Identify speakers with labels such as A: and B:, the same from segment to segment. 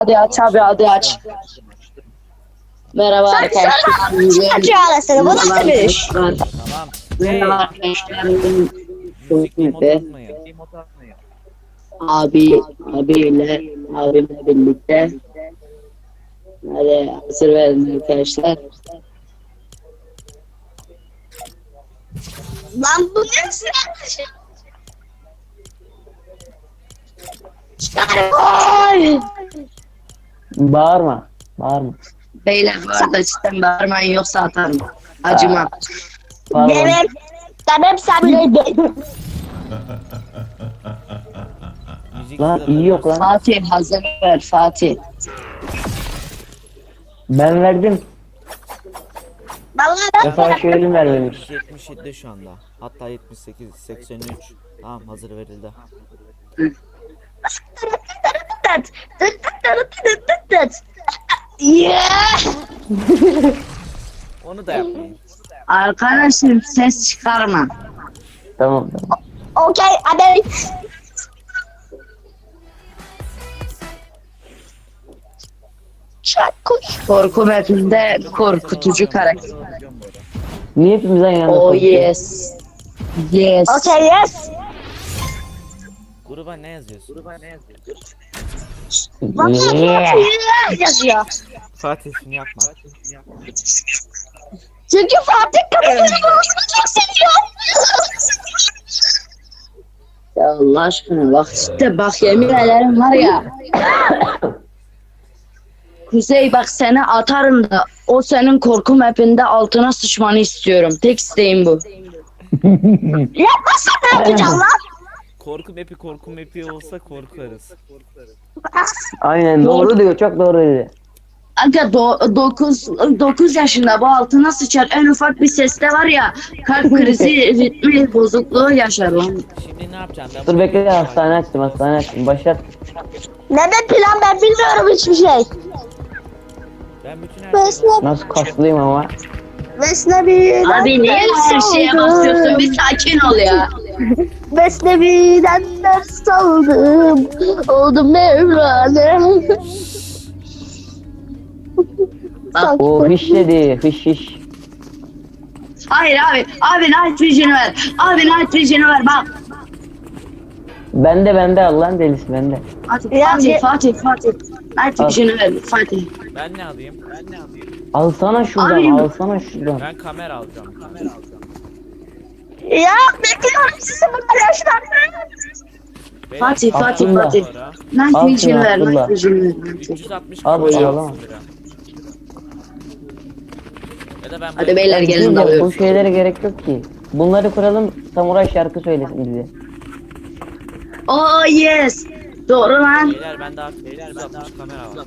A: Hadi aç abi hadi aç. Merhaba
B: Sen
A: arkadaşlar.
B: kaç arasını bu nasıl bir iş?
C: Tamam.
A: Merhaba
C: Hey,
A: arkadaşlar.
C: müzik emot atmayın.
A: Abimle birlikte. Hadi hazır verin arkadaşlar.
B: Lan bu ne sıra? Ay!
D: Bağırma. Bağırma.
A: Beyler bu arada cidden bağırmayın yoksa atarım. Acımam.
D: Bağırma.
B: Benim sabredeyim.
C: Müzik
D: Lan iyi yok lan.
A: Fatih hazır ver Fatih.
D: Ben verdim.
B: Vallahi
D: Mesela şu elim vermemiş.
C: 77 şu anda. Hatta 78, 83. Tamam hazır verildi.
B: Yeah!
C: Onu da yapmayın.
A: Arkadaşım ses çıkarma.
D: Tamam.
B: Okay, hadi. Çak koş.
A: Korku mapinde korkutucu karakter.
D: Niye hepimiz aynı anda
A: Oh
D: konuşuyoruz?
A: yes. Yes.
B: Okay, yes.
C: Gruba ne yazıyorsun?
B: Yeah yazıyor.
C: Fatih şunu yapma.
B: Çünkü Fatih kafasını çok seviyor.
A: Ya Allah aşkına bak işte bak yemin ederim var ya. Kuzey bak seni atarım da o senin korku mapinde altına sıçmanı istiyorum. Tek isteğim bu.
B: Yapmazsan ne yapacağım lan?
C: Korku mepi olsa korkarız.
D: Aynen doğru diyor. Çok doğru dedi.
A: Aga 9 yaşında bu altına sıçar en ufak bir seste var ya kalp krizi ritmi bozukluğu yaşar lan.
C: Şimdi ne yapacaksın?
D: Dur bekle hastane açtım. Başlat.
B: Ne de plan ben bilmiyorum hiçbir şey.
C: Ben bütün her şeyi
B: Vesne,
D: Nasıl kaslıyım ama.
B: Vesnevi'den
A: Abi niye her
B: ders
A: şeye
B: aldım.
A: basıyorsun bir sakin ol ya.
B: Vesnevi'den ders aldım. Oldum Mevlana. Sanki
D: O hiç dedi. Hiç.
A: Hayır abi night vision'ı ver. Abi night vision'ı ver bak.
D: Bende Allah'ın delisi bende.
A: Hadi
B: Ya,
A: Fatih. Night
D: Al.
A: vision'ı ver Fatih.
C: Ben ne alayım?
D: Alsana şuradan.
A: Abi-
C: Ben kamera alacağım.
B: ya bekliyorum sizi burada yaşlar.
C: Beyler,
A: Fatih.
C: kamera
D: Fatih.
C: sonra
A: Night
D: Al
A: vision'ı
D: şunu,
A: ver.
D: Abdullah.
A: Night vision'ı ver.
C: 360
D: Al
C: kamera
D: bunu,
C: alsın
D: al.
C: biri. Ya da ben
A: Hadi beyler gelin
D: Bu
A: dalıyoruz.
D: şeylere gerek yok ki. Bunları kuralım. Samuray şarkı söylesin bize.
A: Oh yes. Doğru lan.
C: Beyler ben daha 360 kamera var.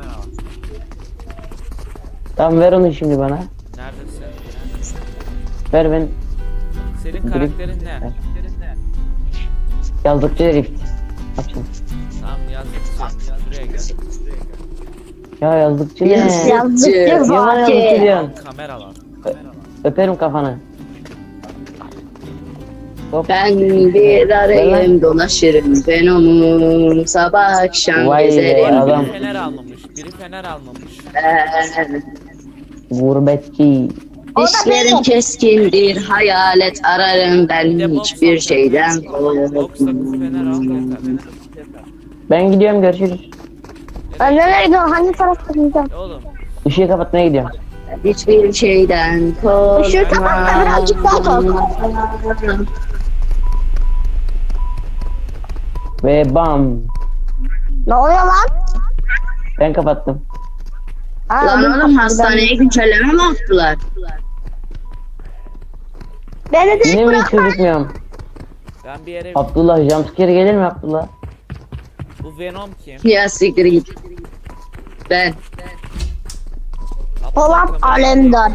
D: Tamam ver onu şimdi bana.
C: Neredesin?
D: Ver ben.
C: Senin karakterin ne?
D: Yazdıkça herif. Açın.
C: Tamam yazdık. Buraya gel.
D: Ya yazdıkça ne?
A: Yes.
B: Yazdık
A: Niye
D: Niye bana yazdıkça
A: Fatih?
D: diyorsun?
C: Kamera var.
D: Öperim kafanı. Hop.
A: Ben bir arayım dolaşırım fenomen sabah akşam
D: Vay be,
A: gezerim.
D: adam.
C: Biri fener almamış.
A: Ben,
D: Gurbetçi.
A: dişlerim keskindir hayalet ararım ben
C: Bir de box
A: hiçbir
C: al.
A: şeyden
C: Box sakızı
A: korkmam.
C: fener al yeter.
D: Ben gidiyorum görüşürüz.
B: Nereye gidiyorsun? Hangi tarafta gideceğim?
C: Oğlum
D: Işığı kapatmaya gidiyorum.
A: Hiçbir şeyden korkmam.
B: Işığı kapat da birazcık daha kork.
D: Ve bam.
B: Ne oluyor lan?
D: Ben kapattım.
B: Ha,
A: Lan oğlum hastaneye güncelleme mi attılar?
B: Beni de
D: Yine mi hiç gözükmüyorum?
C: ben bir yere...
D: Abdullah jumpscare gelir mi Abdullah?
C: Bu Venom kim?
A: Ya siktir git. Ben.
B: Polat
C: Kamera-
B: Alemdar.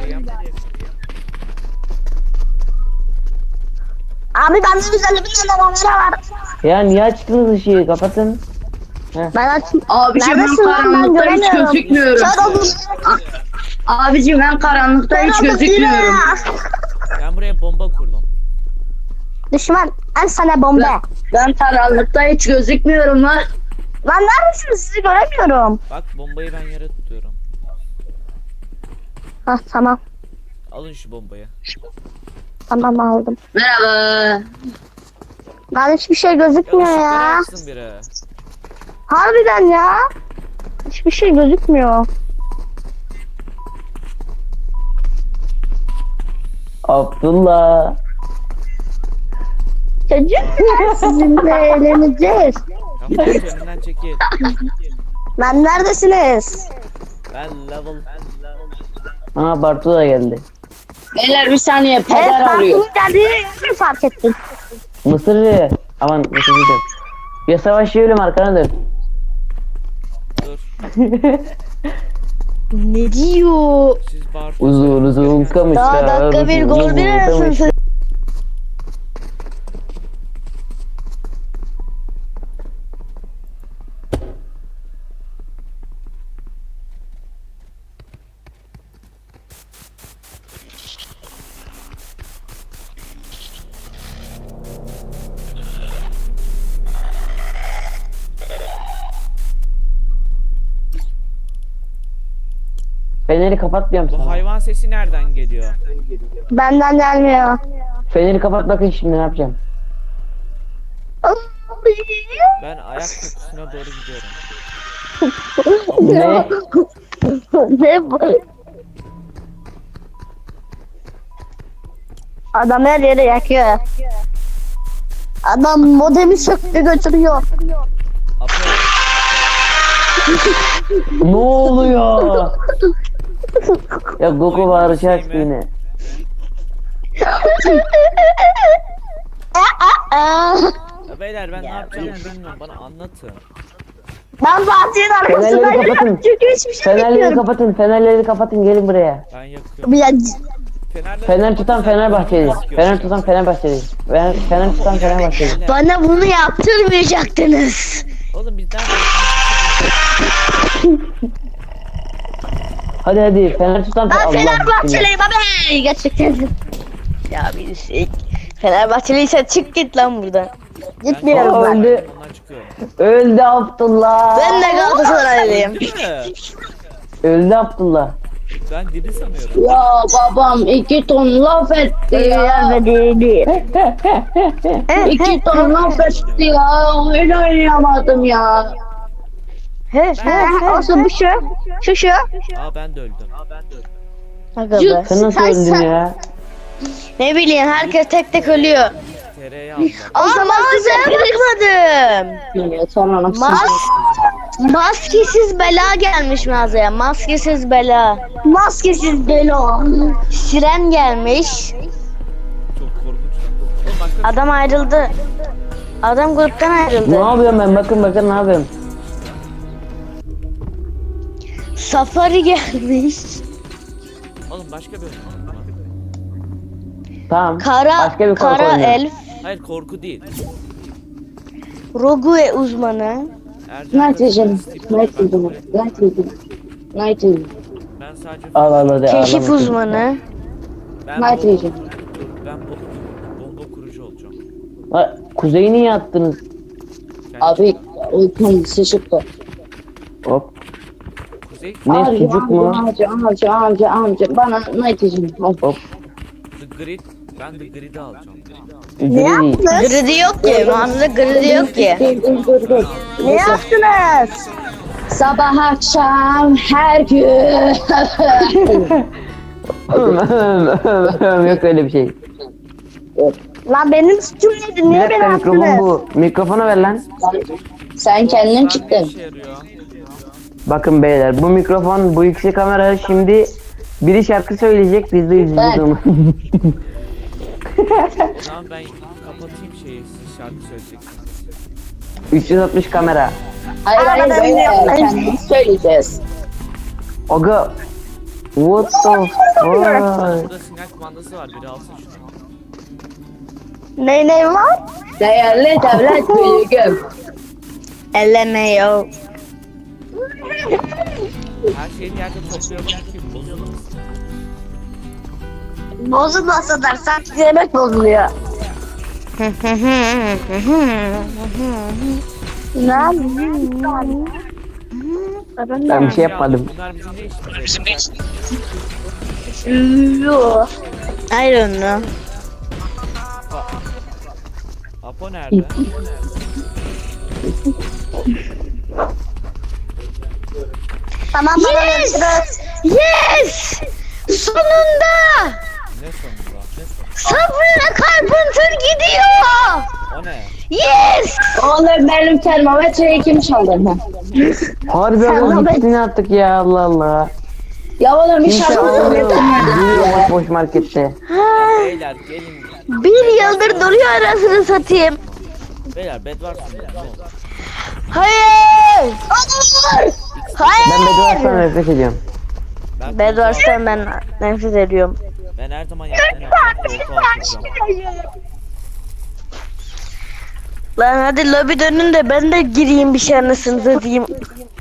B: Abi bende 150 bin tane kamera var.
D: Ya niye açtınız ışığı? Kapatın.
B: Ben açayım.
A: Abiciğim ben
B: Neredesin lan? Ben
A: karanlıkta hiç
B: göremiyorum.
A: gözükmüyorum.
B: Kör oldum.
A: Abiciğim ben karanlıkta
B: Kör
A: hiç
B: oldum
A: gözükmüyorum.
B: yine.
C: Ben buraya bomba kurdum.
B: Düşman en sana bomba.
A: Ben karanlıkta hiç gözükmüyorum lan.
B: Lan neredesiniz? Sizi göremiyorum.
C: Bak bombayı ben yere tutuyorum.
B: Hah tamam.
C: Alın şu bombayı.
B: Tamam aldım.
A: Merhaba.
B: Lan hiçbir şey
C: Ya
B: gözükmüyor
C: ışıkları
B: ya.
C: açsın biri.
B: Harbiden ya. Hiçbir şey gözükmüyor.
D: Abdullah.
B: Çocuklar sizinle eğleneceğiz.
C: Kapı önünden çekil.
B: Lan neredesiniz?
C: Ben level.
D: Aa Bartu da geldi.
A: Beyler bir saniye
B: Evet
A: peder
B: ben
A: arıyor.
B: bunu geldiğini fark ettim.
D: Mısırcı. Aman Mısırcı diyorum. Ya savaş yiyelim arkana dön.
C: Dur.
B: Ne diyor?
C: Siz Bartu.
D: Uzun uzun kamışlar.
B: Daha dakika bir
D: uzun
B: gol
D: uzun
B: bir arasın.
D: kamışlar. Feneri kapat diyorum
C: Bu
D: sana.
C: hayvan sesi nereden geliyor?
B: Benden gelmiyor.
D: Feneri kapat bakın şimdi ne yapacağım.
C: Ben ayak kokusuna doğru gidiyorum.
D: Ne?
B: Ne bu? Adam her yeri yakıyor. Adam modemi söktü götürüyor.
C: Apo.
D: Ne oluyor? Ya Goku bağıracak yine.
C: Ya beyler ben ne yapacağımı bilmiyorum. Bana anlatın.
B: Ben Fatih'in
D: Fenerleri
B: arkasındayım
D: kapatın.
B: çünkü hiçbir şey
D: Fenerleri
B: bilmiyorum.
D: kapatın, fenerleri kapatın gelin buraya.
C: Ben yakıyorum.
B: Ya,
D: Fener tutan Fenerbahçeli. Fener tutan Fenerbahçeli. Fener tutan Fenerbahçeli.
B: bana bunu yaptırmayacaktınız.
C: Oğlum bizden
D: Hadi hadi Fener tutan
B: Ben
D: Allah
B: Fenerbahçeliyim abi. Gerçekten. Ya bir şey. Fenerbahçeliyse çık git lan buradan. Gitmiyorum
D: Aa,
B: ben.
D: öldü.
C: ondan çıkıyorum.
D: Öldü Abdullah.
B: Ben de Galatasaraylıyım.
C: Değil mi?
D: Öldü Abdullah.
C: Ben diri sanıyorum.
A: Ya babam 2 ton laf etti ya.
B: Değil.
A: 2 ton laf etti ya. Öyle oynayamadım ya.
B: Olsun bu şu.
C: Aa ben de öldüm.
B: Aga
A: be.
D: Sen nasıl öldün ya?
B: Ne bileyim herkes tek tek ölüyor.
C: Tereyağı aldım.
B: O zaman size bakmadım.
A: Ya sonra nasıl?
B: Maskesiz bela gelmiş mağazaya. Maskesiz bela. Maskesiz bela. Siren gelmiş.
C: Çok korkunç. Oğlum başka
B: Adam ayrıldı. Adam gruptan
D: Ne
B: ayrıldı.
D: yapıyorum ben? Bakın ne yapıyorum?
B: Safari gelmiş.
C: Oğlum başka bir oyun.
D: Tamam.
B: Kara
D: Başka bir korku
B: kara
D: oyunu.
B: elf.
C: Hayır korku değil.
B: Rogue uzmanı.
C: Ercan
A: Night Vision.
C: Steve
A: Night
C: Jobs.
A: Vision. Night Vision. Night Vision.
C: Ben sadece
D: Al hadi
B: Keşif
D: ağlama.
B: uzmanı.
C: ben
A: Night
C: bomba,
A: Vision.
C: ben bomba kurucu olacağım.
D: Ha, Kuzeyi niye attınız?
C: Kendi
A: Abi uykum sıçıktı.
D: Hop.
C: Kuzey
D: Ne sucuk mu?
A: Amca bana Night Vision.
D: Hop.
C: The Grid. Ben The Grid'i alacağım.
D: Gri.
B: Gridi yok ki. Mağazada gridi yok ki.
A: Dur.
B: Ne yaptınız?
A: Sabah akşam her gün.
D: Yok öyle bir şey.
B: Lan benim suçum neydi?
D: Bir
B: Niye beni
D: dakika mikrofon
B: attınız?
D: bu. Mikrofonu ver lan.
A: Sen kendin
C: Ne
A: çıktın.
C: işe yarıyor?
D: Bakın beyler bu mikrofon bu ikisi kamera şimdi biri şarkı söyleyecek biz de izleyeceğiz
A: Ben.
D: onu.
C: Tamam ben kapatayım şeyi siz şarkı söyleyeceksiniz.
D: 360 kamera.
A: Hayır
B: ben
A: böyle
B: biliyorum.
A: kendimiz söyleyeceğiz.
D: Aga. What the fuck?
C: Burada sinyal kumandası var biri alsın şunu.
B: Ne var?
A: Değerli devlet büyüğüm.
B: Ellemiyor.
C: Her şeyin yerde topluyorum ki bozulmasın.
B: Bozulmasa dersen yemek bozuluyor.
D: Ben bir şey yapmadım.
C: Bunlar bizim ne işimize?
B: I don't know.
C: Apo nerede?
B: Yes! Yes! Sonunda!
C: Ne sonunda? Ne sonunda?
B: Sabrina Carpenter gidiyor!
C: O ne?
B: Yes!
A: Oğlum benim termometreyi kim çaldı?
D: Harbi ama gittiğini attık ya, Allah Allah.
A: Ya oğlum bir
D: Kimse
A: şarkı
D: almıyor.
A: söyledim.
D: Duruyor boş boş markette.
C: Beyler gelin.
B: Bir yıldır duruyor arasını satayım.
C: Beyler bed var mı? Ne oldu?
B: Hayır!
D: Ben
B: Hayır!
D: Bedwars'tan nefret ediyorum.
B: Bedwars'tan ben nefret ediyorum.
C: Ben her zaman yaptığım koltuğa oturacağım.
B: Lan hadi lobi dönün de ben de gireyim bir şey anasını satayım.